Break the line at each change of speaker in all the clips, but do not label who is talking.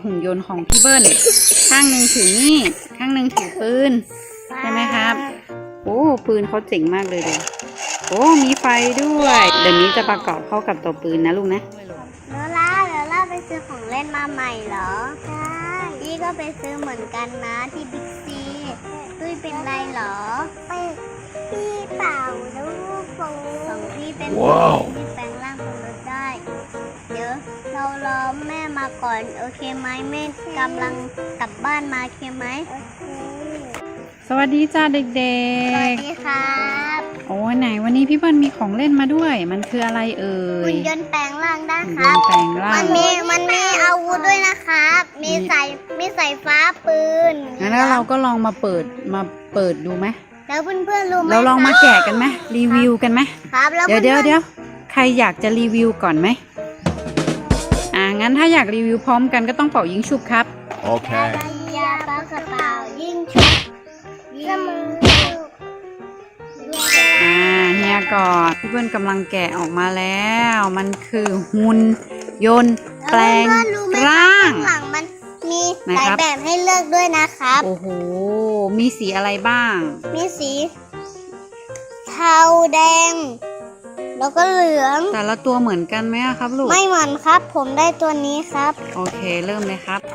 หุ่นยนต์ของพี่เบิ้ลข้างหนึ่งถือมีดข้างหนึ่งถือปืนใช่ไหมครับโอ้ปืนเขาเจ๋งมากเลยเดี๋ยวโอ้มีไฟด้วยเดี๋ยวนี้จะประกอบเข้ากับตัวปืนนะลูกนะ
แล้วไปซื้อของเล่นมาใหม่เหรอใช่พี่ก็ไปซื้อเหมือนกันนะที่บิ๊กซีตุ้ยเป็นไรเหรอพี่เป่าลูกโป่งของพี่เป็นที่แปลงร่างเป็นรถได้เดี๋ยวเรารอแม่มาก่อนโอเคไหมแม่กำลังกลับบ้านมาโอเคไหมโอเค
สวัสดีจ้าเด็กๆ
สวัสดีครับ
โอ้ไหนวันนี้พี่เบิ้ลมีของเล่นมาด้วยมันคืออะไรเอ่ย
หุ่นยนต์แปลงร่างได้ครับ
แปลงร่าง
มันมีอาวุธด้วยนะครับมีสายฟ้าปืน
งั้นเราก็ลองมาเปิดดูไหม
แล้วเพื่อนๆรู้ไหม
เราลองมาแกะกันไหมรีวิวกันไหม
ครับ
เดี๋ยวใครอยากจะรีวิวก่อนไหมงั้นถ้าอยากรีวิวพร้อมกันก็ต้องเป่ายิงฉุบครับ
โอเค
ยาปากกระเป๋ายิงฉุบยิงมือ
เฮียก่อนพี่เพื่อนกำลังแกะออกมาแล้วมันคือหุ่นยนต์แปลงร่าง
หลังมันมีหลายแบบให้เลือกด้วยนะครับ
โอ้โหมีสีอะไรบ้าง
มีสีเทาแดงแล้วก็เหลือง
แต่ละตัวเหมือนกันไหมครับลูก
ไม่เหมือนครับผมได้ตัวนี้ครับ
โอเคเริ่มเลยครับ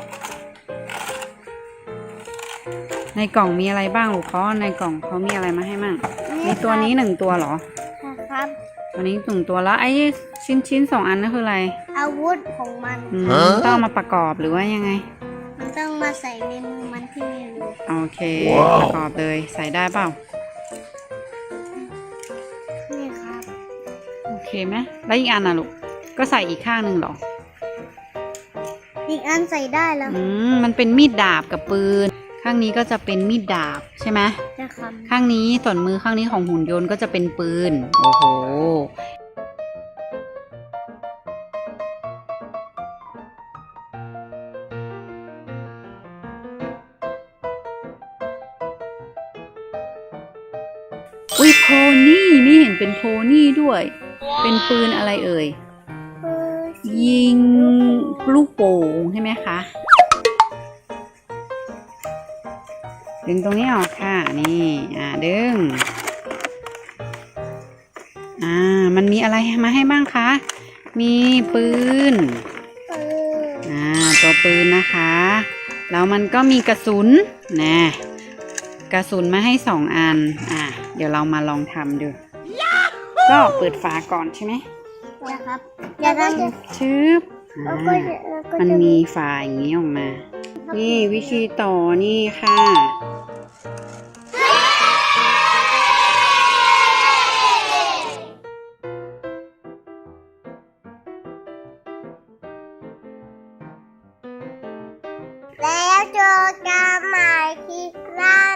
ในกล่องมีอะไรบ้างลูกเขาในกล่องเขามีอะไรมาให้มั่งมีตัวนี้1ตัวเหรอ
ครับ
ตัวนี้1ตัวแล้วไอ้ชิ้น2อันนั่นคืออะไร
อาวุธของมัน
ต้องมาประกอบหรือว่ายังไง
มันต้องมาใส่ในมือมันที่มีรู
โอเคประกอบเลยใส่ได้เปล่า
นี่ครับ
โอเคไหมแล้วอีกอันน่ะลูกก็ใส่อีกข้างหนึ่งเหรอ
อีกอันใส่ได้แล้ว
มันเป็นมีดดาบกับปืนข้างนี้ก็จะเป็นมีดดาบใช่ไหม
ใช่ครับ
ข้างนี้ส่วนมือข้างนี้ของหุ่นยนต์ก็จะเป็นปืนโอ้โหอุ้ยโพนี่นี่เห็นเป็นโพนี่ด้วยเป็นปืนอะไรเอ่ยยิงลูกโป่งใช่ไหมคะดึงตรงนี้ออกค่ะนี่ดึงมันมีอะไรมาให้บ้างคะมีปืนตัวปืนนะคะแล้วมันก็มีกระสุนนะกระสุนมาให้2อันเดี๋ยวเรามาลองทำดูก็เปิดฝาก่อนใช่ไหม
ครับอย่าท
ำชืบมันมีฝาอย่างนี้ออกมานี่วิธีต่อนี่ค่ะ
แล้วเจอกันใหม่คลิปหน้า